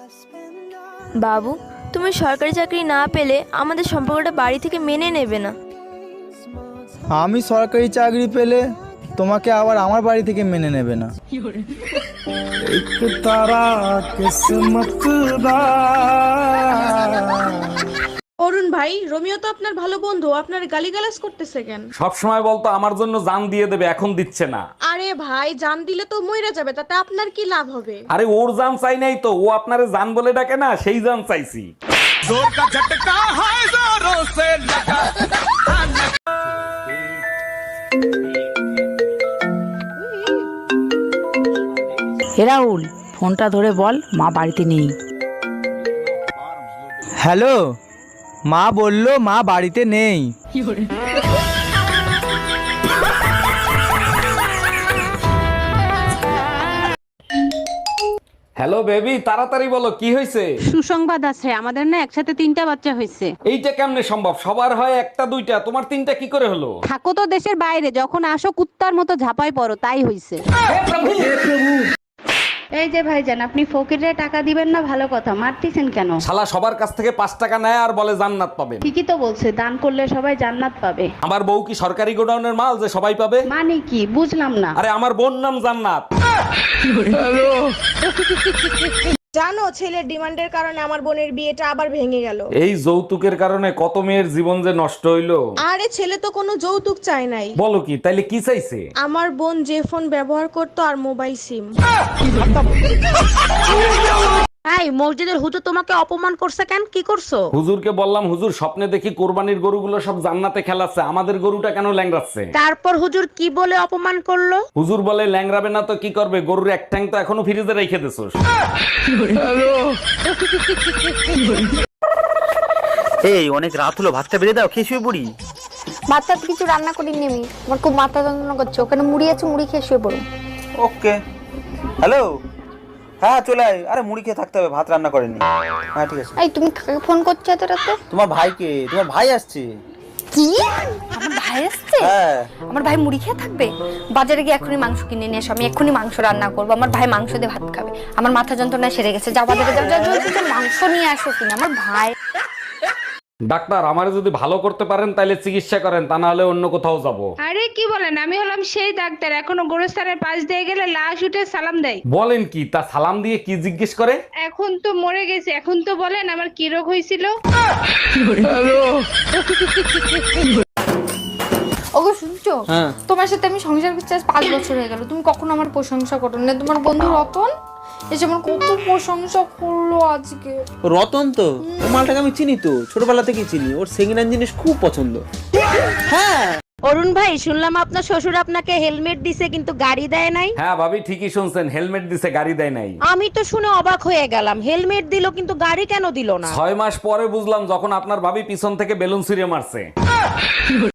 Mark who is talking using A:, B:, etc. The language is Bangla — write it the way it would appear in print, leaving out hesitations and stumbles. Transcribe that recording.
A: বাবু, তুমি সরকারি চাকরি না পেলে আমাদের সম্পর্কটা বাড়ি থেকে মেনে নেবে না।
B: আমি সরকারি চাকরি পেলে তোমাকে আবার আমার বাড়ি থেকে মেনে নেবে না।
C: অরুণ ভাই, রোমিও তো আপনার ভালো বন্ধু, আপনার গালিগালাজ করতেছে কেন?
D: সব সময় বলতো আমার জন্য জান দিয়ে দেবে, এখন দিচ্ছে না।
C: আরে ভাই, জান দিলে তো মইরা যাবে, তাতে আপনার কি লাভ হবে?
D: আরে ওর জান চাই নাই তো, ও আপনারে জান বলে ডাকে না, সেই জান চাইছি।
E: হে রাহুল, ফোনটা ধরে বল মা বাড়িতে নেই।
B: হ্যালো, মা বললো মা বাড়িতে নেই।
D: হ্যালো বেবি, তাড়াতাড়ি বলো কি হয়েছে।
F: সুসংবাদ আছে, আমাদের না একসাথে 3টা বাচ্চা হয়েছে।
D: এইটা কেমনে সম্ভব? সবার হয় একটা দুইটা, তোমার 3টা কি করে হলো?
F: থাকো তো দেশের বাইরে, যখন আসো কুত্তার মতো ঝাপাই পড়ো, তাই হইছে। এই যে ভাইজান, আপনি ফকিরে টাকা দিবেন না, ভালো কথা, মারতেছেন কেন?
D: শালা সবার কাছ থেকে 5 টাকা নেয় আর বলে জান্নাত পাবেন।
F: ঠিকই তো বলছে, দান করলে সবাই জান্নাত পাবে।
D: আমার বউ কি সরকারি গোডাউনের মাল যে সবাই পাবে?
F: মানে কি বুঝলাম না।
D: আরে আমার বোন নাম জান্নাত।
C: জানো, ছেলের ডিমান্ডের কারণে আমার বোনের বিয়েটা আবার ভেঙে গেল।
D: এই যৌতুকের কারণে কত মেয়ের জীবন যে নষ্ট হইলো।
C: আরে ছেলে তো কোনো যৌতুক চায় নাই।
D: বলো কি, তাইলে কি চাইছে?
C: আমার বোন যে ফোন ব্যবহার করতো আর মোবাইল সিম।
F: এই মসজিদের হুজুর তোমাকে অপমান করছে কেন? কি করছো?
D: হুজুরকে বললাম, হুজুর স্বপ্নে দেখি কোরবানির গরুগুলো সব জান্নাতে খেলাচ্ছে, আমাদের গরুটা কেন ল্যাংড়াচ্ছে?
F: তারপর হুজুর কি বলে অপমান করলো?
D: হুজুর বলে ল্যাংড়াবে না তো কি করবে, গরুর এক ঠ্যাং তো এখনো ফ্রিজে রেখে দিছোস।
G: এই অনেক রাত হলো, ভাতটা বেড়ে দাও, খেয়ে শুয়ে পড়ি।
H: ভাতটা তো কিছু রান্না করিনি আমি, আমার খুব মাথা যন্ত্রণা করছে। ওখানে মুড়ি আছে, মুড়ি খেয়ে শুয়ে পড়ো।
G: ওকে। হ্যালো, হ্যাঁ চলে আয়। আরে মুড়ি খেয়ে থাকতে হবে, ভাত রান্না করেনি। হ্যাঁ ঠিক আছে।
H: এই তুমি কাকে ফোন করছো এত রাতে?
G: তোমার ভাইকে, তোমার ভাই আসছে।
H: কি? আমার ভাই আসছে?
G: হ্যাঁ।
H: আমার ভাই মুড়ি খেয়ে থাকবে? বাজারে গিয়ে এখনই মাংস কিনে নিয়ে এসো, আমি এক্ষুনি মাংস রান্না করবো। আমার ভাই মাংস দিয়ে ভাত খাবে। আমার মাথা যন্ত্রণা সেরে গেছে, যাও বাজারে যাও, যাও জলদি যাও, মাংস নিয়ে আসো কিনা। আমার ভাই
D: ডাক্তার, আমারে যদি ভালো করতে পারেন তাহলে চিকিৎসা করেন, তা না হলে অন্য কোথাও যাব।
I: আরে কি বলেন, আমি হলাম সেই ডাক্তার, এখনো গোরস্থানের পাশ দিয়ে গেলে লাশ উঠে সালাম দেয়।
D: বলেন কি? তা সালাম দিয়ে কি জিজ্ঞেস করে?
I: এখন তো মরে গেছে, এখন তো বলেন আমার কি রোগ হয়েছিল।
H: ওগো শুনছো?
G: হ্যাঁ।
H: তোমার সাথে আমি সংসার করছি আজ 5 বছর হয়ে গেল, তুমি কখনো আমার প্রশংসা করো না। তোমার বন্ধু রতন এসে আমার কত প্রশংসা করলো আজকে।
G: রতন তো, ও মালটাকে আমি চিনি তো, ছোটবেলা থেকেই চিনি। ওর সেকেন্ড হ্যান্ড জিনিস খুব পছন্দ। হ্যাঁ।
F: অরুণ ভাই, শুনলাম আপনার শ্বশুর আপনাকে হেলমেট দিছে কিন্তু গাড়ি দেয় নাই।
D: হ্যাঁ ভাবি, ঠিকই শুনছেন, হেলমেট দিছে, গাড়ি দেয় নাই।
F: আমি তো শুনে অবাক হয়ে গেলাম, হেলমেট দিল কিন্তু গাড়ি কেন দিল না?
D: 6 মাস পরে বুঝলাম, যখন আপনার ভাবি পিছন থেকে বেলুন ছুঁড়ে মারছে।